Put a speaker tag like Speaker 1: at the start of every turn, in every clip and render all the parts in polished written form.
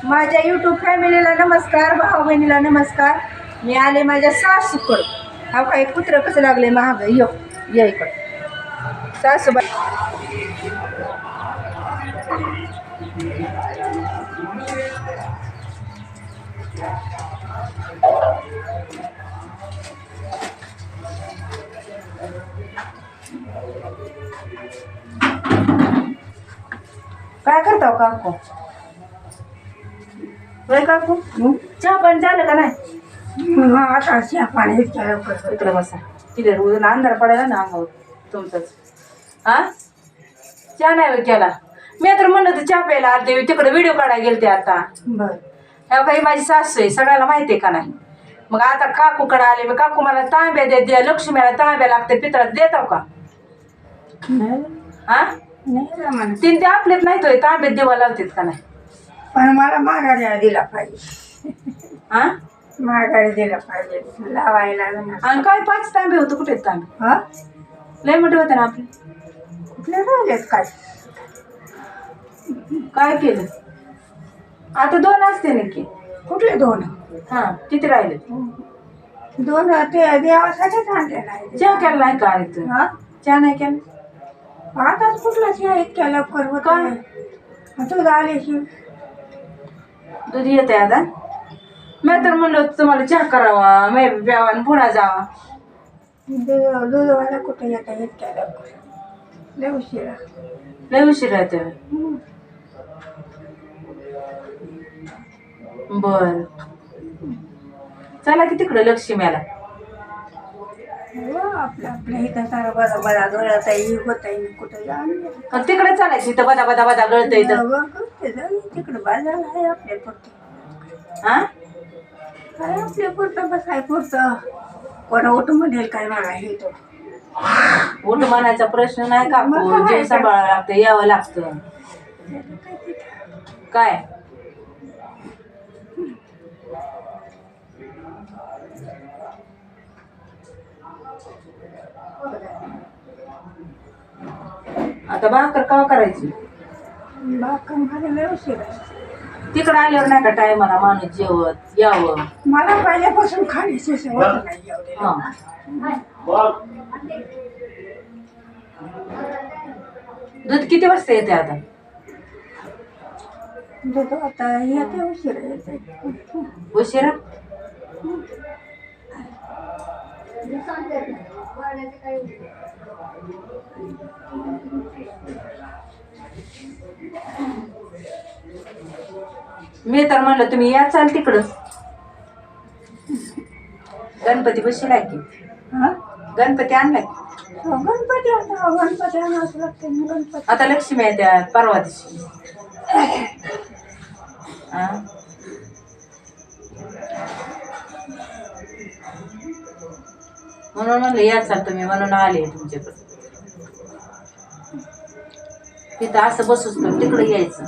Speaker 1: माझ्या यूट्यूब फॅमिलीला नमस्कार, भाऊ बहिणीला नमस्कार. मी आले माझ्या सासूकडं. हा काही कुत्रं कसं लागले महाग या इकडं सासूबाई. काय करता हो काकू? होय काकू, चहा पाणी झालं का नाही?
Speaker 2: आता चहा पाणी इतक्या लवकर
Speaker 1: इकडे बसा. तिथे रोज अंधार पडायला ना अंगावर तुमचंच. हा चहा नाही होय केला. मी तर म्हणलं तर चहा प्यायला आलते, तिकडे व्हिडिओ काढायला गेलते आता.
Speaker 2: बर.
Speaker 1: ह्या काही माझी सासू आहे, सगळ्याला माहिती आहे का नाही. मग आता काकूकडे आले. मग काकू मला तांब्या द्या, लक्ष्मीला तांब्या लागते पितळात, देताव का? हा तीन ते आपलेच नाही तो तांब्यात देवा लावतात का नाही?
Speaker 2: पण मला माघारी दिला पाहिजे.
Speaker 1: हा
Speaker 2: माघारी दिला पाहिजे लावायला.
Speaker 1: आणि काय 5 तांबे होते, कुठे तांबे?
Speaker 2: हा
Speaker 1: लय मोठे होते ना आपले.
Speaker 2: कुठले राहिलेत काय?
Speaker 1: काय केलं आता? 2 असते नक्की.
Speaker 2: कुठले 2?
Speaker 1: हा किती राहिले?
Speaker 2: 2 ते देवासाठीच आणले नाही.
Speaker 1: चहा केला नाही का?
Speaker 2: हा
Speaker 1: चहा नाही केला.
Speaker 2: आताच कुठला चहा इतक्या लवकर होत
Speaker 1: काय?
Speaker 2: दूध आल्याशिवाय
Speaker 1: दूध येते आता. मी तर म्हणलं तुम्हाला चहा करावा, मी प्यावा आणि पुन्हा जावा.
Speaker 2: दूधवाला कुठे येता इतक्या लवकर? लय उशिरा.
Speaker 1: लय उशीर येते. बर चला की तिकडं लक्ष्मीला.
Speaker 2: आपलं आपल्या इथं सारा बरा बरा गळत आहे, होत आहे, कुठं जाणं.
Speaker 1: तिकडे चालायची इथं बदा बदा बदा गळत इथं.
Speaker 2: तिकडं बाजारला आहे आपल्या पुरतं.
Speaker 1: हा
Speaker 2: काय आपल्या पुरतं बसाय पुरतं. कोणा उठ म्हणेल काय मला हे तो
Speaker 1: उठ म्हणायचा प्रश्न नाही काकू. जे सांभाळावं लागतं, यावं लागतं. काय आता भाकर कवा करायची?
Speaker 2: बागकाम करायला उशीर आहे.
Speaker 1: तिकडं आल्यावर नाही का टायमाला माणूस जेवत यावं.
Speaker 2: मला पहिल्यापासून खाण्याची सवय नाही एवढी.
Speaker 1: हा दूध किती वाजता येते आता?
Speaker 2: दूध आता येते उशीर येते.
Speaker 1: उशिरा. मी तर म्हणलं तुम्ही या चाल तिकडं. गणपती बसलाय की?
Speaker 2: हा
Speaker 1: गणपती आणलाय.
Speaker 2: गणपती आता गणपती आणावंच लागते. गणपती
Speaker 1: आता लक्ष्मी आहे त्या परवा दिवशी. हा म्हणून म्हणलं या चाल तुम्ही, म्हणून आले तुमच्याकडे. तिथं असं बसूच तर तिकडे यायचं.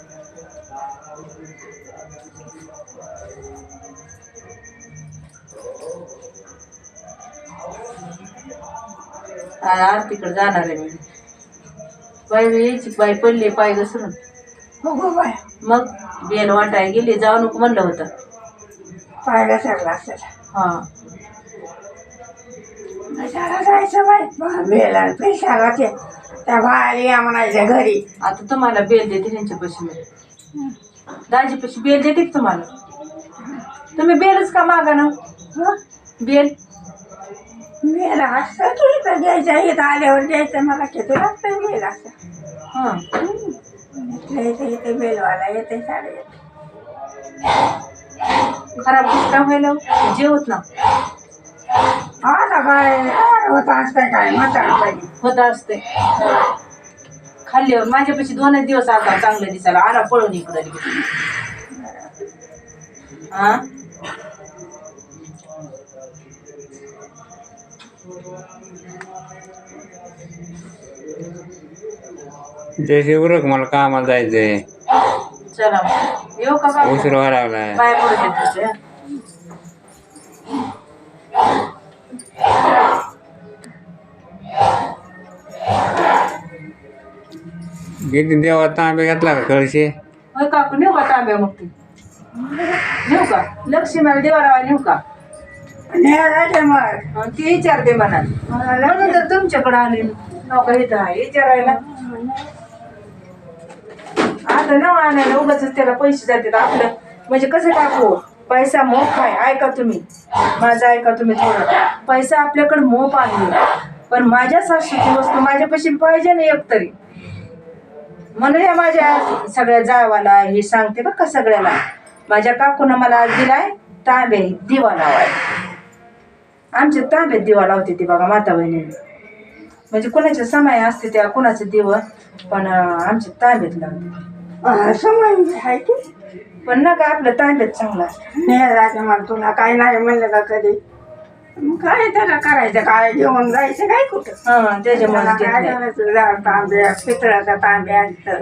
Speaker 1: आरतीकडे जाणार आहे मी. बाई यायची, बाई पडली पाय घसरून.
Speaker 2: हो गो बाय.
Speaker 1: मग बेल वाटाय गेली, जाऊ नको म्हणलं होतं.
Speaker 2: पाहायला सगळं असेल.
Speaker 1: हा
Speaker 2: कशाला जायचं बाई? बेला पैशाला ते त्या बाहेर या म्हणायच्या घरी.
Speaker 1: आता तुम्हाला बेल देते त्यांच्यापाशी. मी दाजीपाशी बेल देते की तुम्हाला? तुम्ही बेलच का मागा ना? बेल
Speaker 2: बेला असतं की इथं घ्यायचं, इथं आल्यावर घ्यायचं. मला किती लागतं बेल असं.
Speaker 1: हा
Speaker 2: इथं इथे बेलवाला येते साडे येते.
Speaker 1: खराब का व्हायला जेवत ना.
Speaker 2: आता काय होत असतं काय म्हातारपणी
Speaker 1: होत असते. खाल्ल्यावर माझ्यापाशी 2 दिवस आता चांगलं दिसायला आला पळून इकडं लगेच. हा
Speaker 3: जयसे उरक, मला कामाला जायचंय.
Speaker 1: चला मग येऊ का?
Speaker 3: उशीर व्हायला लागलाय.
Speaker 1: बाय पडू देत.
Speaker 3: किती देवा तांबे घेतला का कळशे?
Speaker 1: होय काकू नेऊ का तांब्या मग ती? नेऊ का लक्ष्मीला देवारावा नेऊ का
Speaker 2: न्यायला मग
Speaker 1: ती विचारते म्हणा म्हणून तर तुमच्याकडे आले नका इथं आहे विचारायला आता न आणायला उगाच त्याला पैसे जातात आपलं म्हणजे कसं टाकू पैसा मोप आहे ऐका तुम्ही माझं ऐका तुम्ही थोडं पैसा आपल्याकडे मोप आहे पण माझ्या सासूची वस्तू माझ्यापाशी पाहिजे ना एक तरी म्हणून या माझ्या सगळ्या जावाला हे सांगते बरं का सगळ्याला माझ्या काकूनं मला आज दिलाय तांबे दिवा लावाय आमच्या तांब्यात दिवा लावते ती बघा माता बहिणीने म्हणजे कुणाच्या समय असते त्या कुणाचं दिव पण आमच्या तांब्यात लावते
Speaker 2: समज आहे की
Speaker 1: पण ना का आपलं तांब्यात चांगलं असतं
Speaker 2: न्यायला मग तुला काय नाही म्हणलं का कधी मग काय त्याला करायचं काय घेऊन जायचं काय कुठं
Speaker 1: हा त्याच्यामुळे
Speaker 2: त्याला
Speaker 1: घेत
Speaker 2: काय
Speaker 1: नाही.
Speaker 2: करायचं झाड तांब्या पितळाचा तांब्या असतं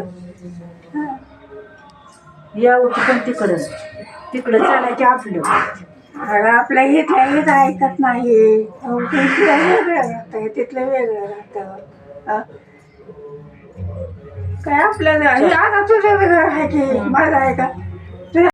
Speaker 1: या होती पण तिकडं चालायचे आपलं
Speaker 2: अगं आपल्या इथल्या इथं ऐकत नाही अहो, ते इथलं वेगळं राहतं तिथलं वेगळं राहतं काय आपल्याला आता तुझं वेगळं आहे की माझं आहे का